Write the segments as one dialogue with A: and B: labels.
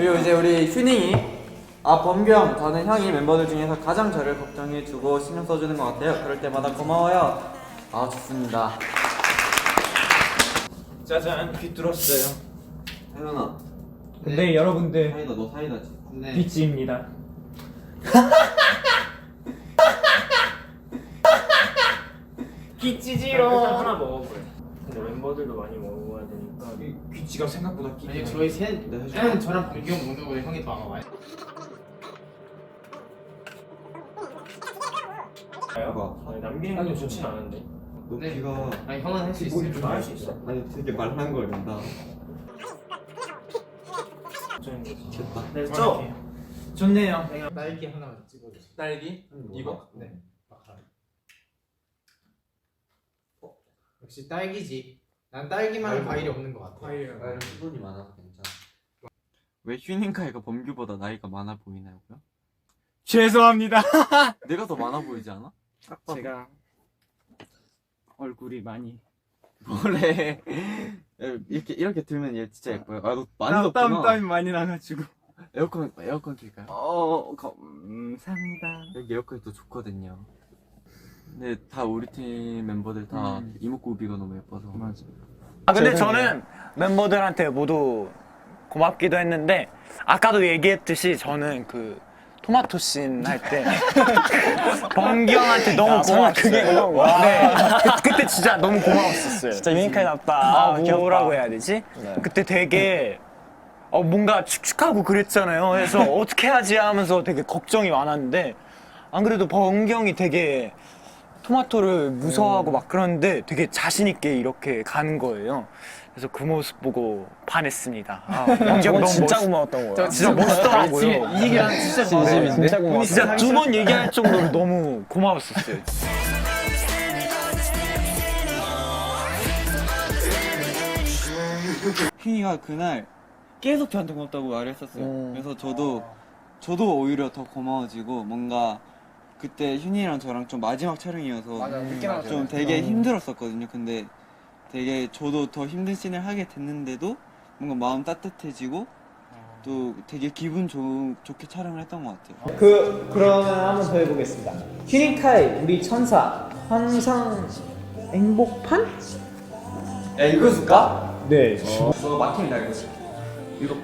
A: 그리고 이제 우리 휴닝이 범규 형, 저는 형이 멤버들 중에서 가장 저를 걱정해주고 신경 써주는 것 같아요. 그럴 때마다 고마워요. 좋습니다.
B: 짜잔, 귀 뚫었어요.
A: 혜연아.
B: 네, 여러분들.
A: 사이다, 너 사이다지?
C: 네.
B: 비치입니다.
D: 끼찌지로. 일단 하나 먹어보래. 근데 멤버들도 많이 먹어야 되니까.
B: 귀치가 생각보다
C: 아니 저희 셋 저랑 범규 형 먹는 거보다 형이 더 아마 많이.
D: 아니, 남기는 게 좋진 않은데.
A: 너
C: 네.
A: 귀가
C: 아니 형은 할 수 있어.
D: 좀 할 수 있어?
A: 아니 되게 말란 걸 된다.
D: 됐다.
B: 네, 좋네요.
C: 딸기 하나 찍어주세요.
B: 딸기? 이거?
C: 네. 역시 딸기지. 난 딸기만 과일이 없는 것 같아.
A: 나는 수분이 많아서 괜찮아. 왜 휴닝카이가 범규보다 나이가 많아 보이나요고요?
B: 죄송합니다.
A: 내가 더 많아 보이지 않아?
B: 제가 얼굴이 많이
A: 뭐래? 이렇게 들면 얘 진짜 예뻐요. 너 많이 덥구나.
B: 땀이 많이 나가지고.
A: 에어컨 킬까요?
B: 감사합니다.
A: 여기 에어컨이 또 좋거든요. 근데 다 우리 팀 멤버들 다 이목구비가 너무 예뻐서.
B: 맞아.
E: 근데 저는 멤버들한테 모두 고맙기도 했는데 아까도 얘기했듯이 저는 그 토마토 씬 할 때 범규 형한테 너무 고마웠어요. 그게 고마운 네. 그때 진짜 너무 고마웠었어요. 진짜 유니크하답다. 뭐라고 해야 되지? 그때 되게 뭔가 축축하고 그랬잖아요. 그래서 어떻게 하지 하면서 되게 걱정이 많았는데 안 그래도 범규 형이 되게 토마토를 무서워하고 막 그러는데 되게 자신 있게 이렇게 가는 거예요. 그래서 그 모습 보고 반했습니다. 범규 형 너무 진짜 고마웠던 거야. 진짜 멋있더라고요.
C: 이 얘기랑 진짜 진심인데.
E: 진짜 고마웠어요. 진짜 두 번 얘기할 정도로 너무 고마웠었어요.
A: 휘이가 그날 계속 저한테 고맙다고 말을 했었어요. 그래서 저도 오히려 더 고마워지고 뭔가 그때 휴니랑 저랑 좀 마지막 촬영이어서 좀 되게 힘들었었거든요. 근데 되게 저도 더 힘든 씬을 하게 됐는데도 뭔가 마음 따뜻해지고 또 되게 기분 좋게 촬영을 했던 것 같아요.
F: 그러면 한번 더 해보겠습니다. 휴닝카이 우리 천사 항상 행복판?
A: 야 읽어줄까?
F: 네.
A: 너 막히면 나 읽어줄게. 이거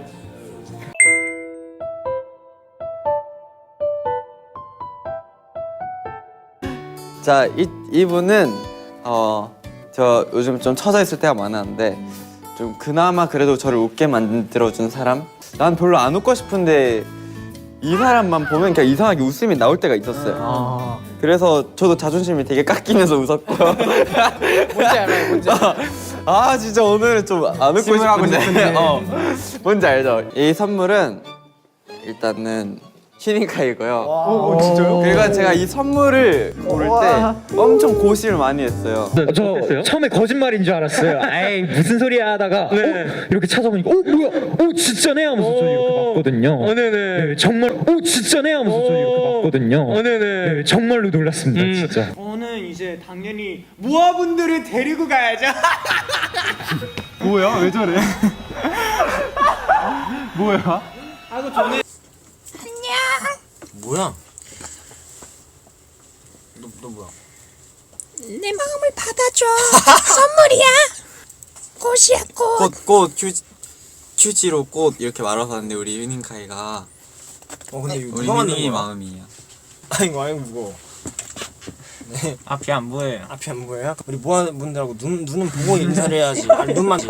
A: 자, 이분은 저 요즘 좀 처져 있을 때가 많았는데 좀 그나마 그래도 저를 웃게 만들어준 사람. 난 별로 안 웃고 싶은데 이 사람만 보면 그냥 이상하게 웃음이 나올 때가 있었어요. 그래서 저도 자존심이 되게 깎이면서 웃었고요.
C: 뭔지 알아요? 뭔지.
A: 진짜 오늘은 좀 안 웃고 싶은데. 뭔지 알죠? 이 선물은 일단은 휴닝카이고요.
E: 진짜요?
A: 그리고 제가 이 선물을 고를 때 엄청 고심을 많이 했어요.
G: 저 처음에 거짓말인 줄 알았어요. 에이 무슨 소리야 하다가 이렇게 찾아보니까 뭐야? 진짜네 하면서 저 이렇게 봤거든요. 네, 정말 진짜네 하면서 저 이렇게 봤거든요. 네, 정말로 놀랐습니다. 진짜.
E: 저는 이제 당연히 모아분들을 데리고 가야죠.
A: 뭐야? 왜 저래? 뭐야?
D: 뭐야? 너 뭐야?
H: 내 마음을 받아줘. 선물이야. 꽃이야 꽃.
A: 꽃 휴지로 꽃 이렇게 말아서 하는데 우리 휴닝카이가
D: 근데 이거
A: 우리
D: 누가 만든
A: 휴닝이
D: 거야?
A: 마음이에요.
D: 아이고 무거워. 네.
E: 앞이 안 보여요.
D: 앞이 안 보여요? 우리 모아분들하고 눈은 보고 인사를 해야지. 눈만.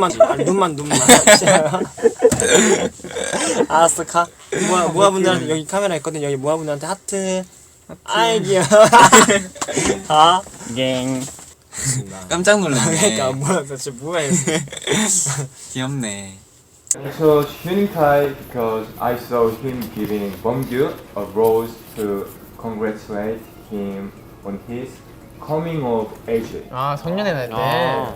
D: 알았어, 가. 모아분들한테 여기 카메라 있거든. 여기 모아분들한테 하트. 아이 귀여워. 다.
E: 갱.
A: 깜짝 놀랐네.
D: 그러니까 뭐야, 진짜 뭐야 이거.
A: 귀엽네.
I: I chose Hyunkai because I saw him giving Bongyu a rose to congratulate him on his coming of age.
C: 성년의 날 때.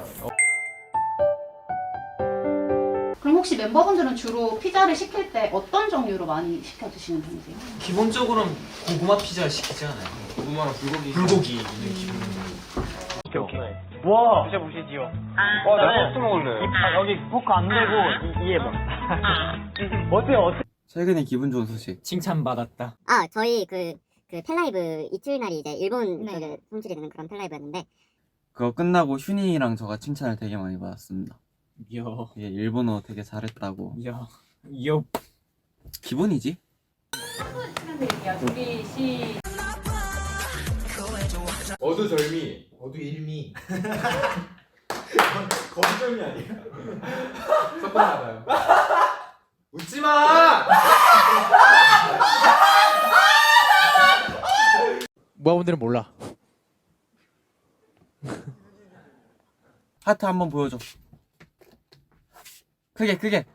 J: 그럼 혹시 멤버분들은 주로 피자를 시킬 때 어떤 종류로 많이 시켜 드시는 편이세요?
B: 기본적으로는 고구마 피자 시키지 않아요? 고구마랑 불고기 있는 기본.
E: 오케이. 와, 드셔보시지요.
B: 와, 나 소스 먹을래.
E: 여기 포크 안 대고 이에 봐.
A: 최근에 기분 좋은 소식.
D: 칭찬받았다.
K: 아, 저희 그 팬라이브 이틀 날이 이제 일본 쪽에 손질이 되는 그런 팬라이브였는데
A: 그거 끝나고 휴닝이랑 저가 칭찬을 되게 많이 받았습니다.
D: 요.
A: 이게 일본어 되게 잘했다고.
D: 요.
A: 기본이지?
C: 어두절미, 어두일미. 거두절미 아니야? 섞어나가요. 웃지 마! 모아분들은 몰라.
A: 하트 한번 보여줘. 크게.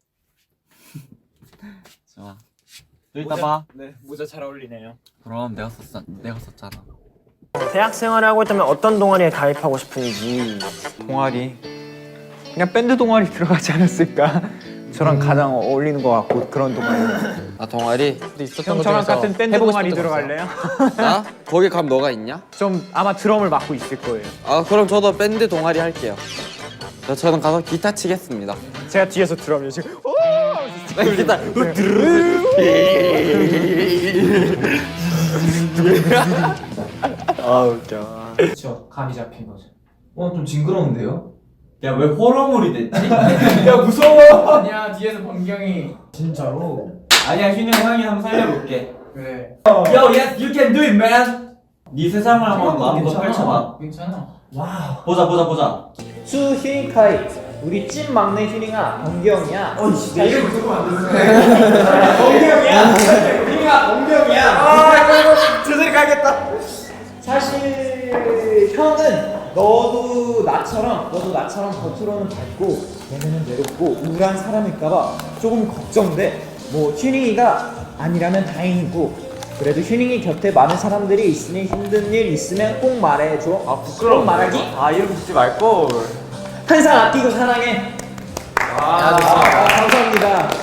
A: 좋아. 또 이따 봐.
D: 네, 모자 잘 어울리네요.
A: 그럼 내가 썼잖아.
D: 대학 생활을 하고 있다면 어떤 동아리에 가입하고 싶은지.
E: 동아리 그냥 밴드 동아리 들어가지 않았을까? 저랑 가장 어울리는 것 같고 그런 동아리.
A: 아 동아리?
E: 형 저랑 같은 밴드 동아리 들어갈래요?
A: 나? 거기 가면 너가 있냐?
E: 좀 아마 드럼을 맡고 있을 거예요.
A: 아 그럼 저도 밴드 동아리 할게요. 저는 가서 기타 치겠습니다.
E: 제가 뒤에서 드럼요 지금.
A: 기타.
D: 아 웃겨.
C: 그쵸, 감이 잡힌 거죠.
F: 좀 징그러운데요?
A: 야 왜 호러물이 됐지?
C: 야, 무서워! 아니야, 뒤에서 범경이. 진짜로?
A: 아니야 휴닝 형이 한번 살려볼게.
C: 그래.
A: Yo yes you can do it man. 네 세상을 한번 마음껏 펼쳐봐.
C: 괜찮아.
A: 보자.
F: 수 휴닝카이 우리 찐 막내 휴닝아 범경이야.
C: 내 이름 무조건 안 되는
F: 범경이야. 휴닝아 범경이야.
D: 제대로 가겠다.
F: 사실 형은 너도 나처럼 겉으로는 밝고 내면은 외롭고 우울한 사람일까봐 조금 걱정돼. 뭐 휴닝이가 아니라면 다행이고 그래도 휴닝이 곁에 많은 사람들이 있으니 힘든 일 있으면 꼭 말해줘. 아 부끄러운 말하기?
A: 아 이름 짓지 말걸.
F: 항상 아끼고 사랑해. 감사합니다.